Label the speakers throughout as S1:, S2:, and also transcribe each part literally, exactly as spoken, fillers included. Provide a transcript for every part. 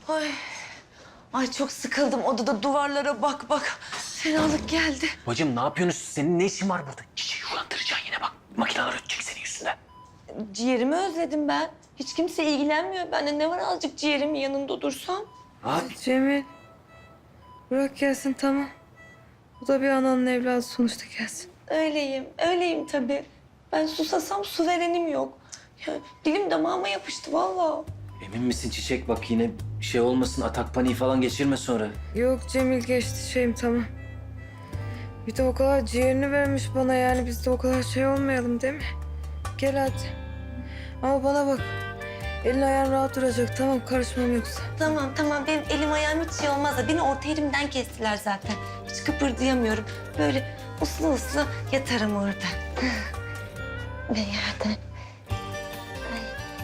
S1: Ay. Ay çok sıkıldım odada duvarlara bak bak. Fenalık geldi.
S2: Bacım ne yapıyorsunuz? Senin ne işin var burada? Çiçeği uyandıracaksın yine bak. Makineler ötecek senin yüzünden.
S1: Ciğerimi özledim ben. Hiç kimse ilgilenmiyor benden. Ne var azıcık ciğerimin yanında dursam?
S2: Abi.
S3: Cemil. Bırak gelsin tamam. Bu da bir ananın evladı sonuçta gelsin.
S1: Öyleyim, öyleyim tabii. Ben susasam su verenim yok. Ya, dilim damağıma yapıştı vallahi.
S2: Emin misin Çiçek? Bak yine şey olmasın, atak paniği falan geçirme sonra.
S3: Yok Cemil geçti şeyim tamam. Bir de o kadar ciğerini vermiş bana yani biz de o kadar şey olmayalım değil mi? Gel hadi. Ama bana bak. Elin ayağın rahat duracak tamam karışmam yoksa.
S1: Tamam tamam benim elim ayağım hiç şey olmaz da beni orta elimden kestiler zaten. Hiç kıpırdayamıyorum. Böyle uslu uslu yatarım orada. Ve yerden. Ay.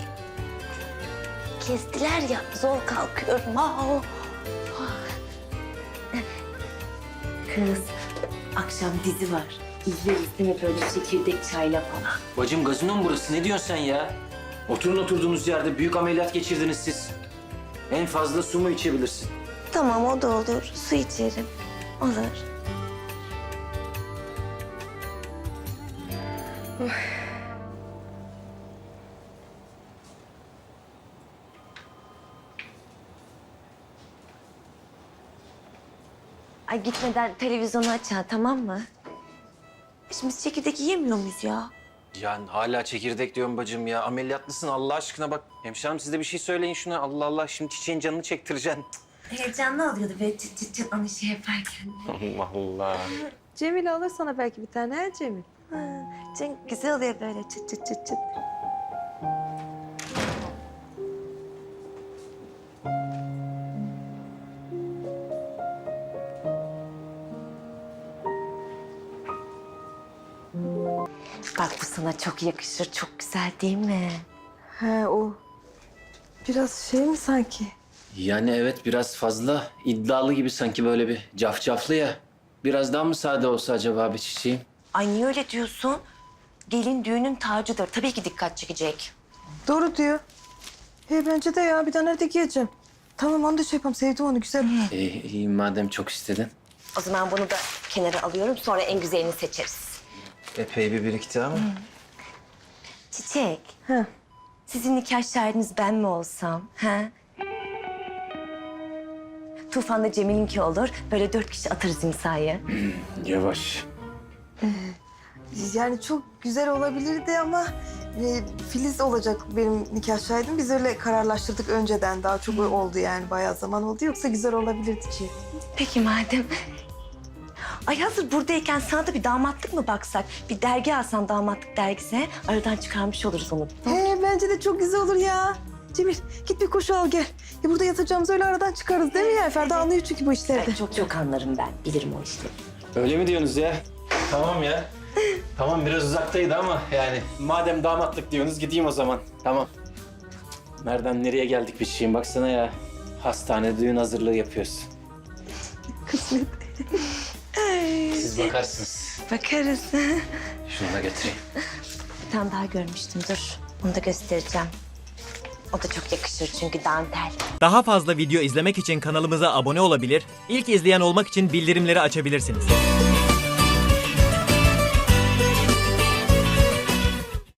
S1: Kestiler ya zor kalkıyorum. Aa. Kız akşam dizi var. İzleriz değil mi böyle çekirdek çayla falan.
S2: Bacım gazino mu burası? Ne diyorsun sen ya? Oturun oturduğunuz yerde büyük ameliyat geçirdiniz siz. En fazla su mu içebilirsin?
S1: Tamam o da olur. Su içerim. Olur. Ay gitmeden televizyonu aç ha, tamam mı? Şimdi biz çekirdek yiyemiyor muyuz ya?
S2: Yani hala çekirdek diyorum bacım ya. Ameliyatlısın Allah aşkına bak. Hemşerim siz de bir şey söyleyin şuna. Allah Allah şimdi Çiçeğin canını çektireceksin.
S1: Heyecanlı oluyordu böyle çıt çıt çıt onu şey yaparken.
S2: Allah Allah.
S3: Cemil alır sana belki bir tane ha Cemil.
S1: Ha, çok güzel oluyor böyle çıt çıt çıt çıt. Bak bu sana çok yakışır, çok güzel değil mi?
S3: He o. Biraz şey mi sanki?
S2: Yani evet biraz fazla iddialı gibi sanki böyle bir cafcaflı ya. Biraz daha mı sade olsa acaba bir Çiçeğim?
S1: Ay niye öyle diyorsun? Gelin düğünün tacıdır. Tabii ki dikkat çekecek.
S3: Doğru diyor. He bence de ya bir tane nerede giyeceğim. Tamam onu da şey yapalım sevdim onu güzel.
S2: İyi, iyi madem çok istedin.
S1: O zaman bunu da kenara alıyorum. Sonra en güzelini seçeriz.
S2: Epey bir birikti ama.
S1: Çiçek,
S3: He.
S1: sizin nikah şahidiniz ben mi olsam? Ha? Tufan'da Cemil'inki olur. Böyle dört kişi atarız imzayı.
S2: Yavaş.
S3: Yani çok güzel olabilirdi ama e, Filiz olacak benim nikah şahidim. Biz öyle kararlaştırdık önceden. Daha çok oldu yani bayağı zaman oldu. Yoksa güzel olabilirdi ki.
S1: Peki madem. Ay hazır buradayken sana da bir damatlık mı baksak? Bir dergi alsan damatlık dergisi. Aradan çıkarmış oluruz onu.
S3: He bence de çok güzel olur ya. Cemil git bir koşu al gel. Ya burada yatacağımızı öyle aradan çıkarız değil mi ya? Ferda anlıyor çünkü bu işlerde.
S1: Ay, çok çok anlarım ben. Bilirim o işleri.
S2: Öyle mi diyorsunuz ya? Tamam ya. Tamam biraz uzaktaydı ama yani madem damatlık diyorsunuz gideyim o zaman. Tamam. Nereden nereye geldik bir şeyim baksana ya. Hastane düğün hazırlığı yapıyoruz.
S3: Kısmet.
S2: Siz bakarsınız.
S1: Bakarız.
S2: Şunu da götüreyim.
S1: Bir tane daha görmüştüm. Dur. Onu da göstereceğim. O da çok yakışır çünkü dantel.
S4: Daha fazla video izlemek için kanalımıza abone olabilir, ilk izleyen olmak için bildirimleri açabilirsiniz.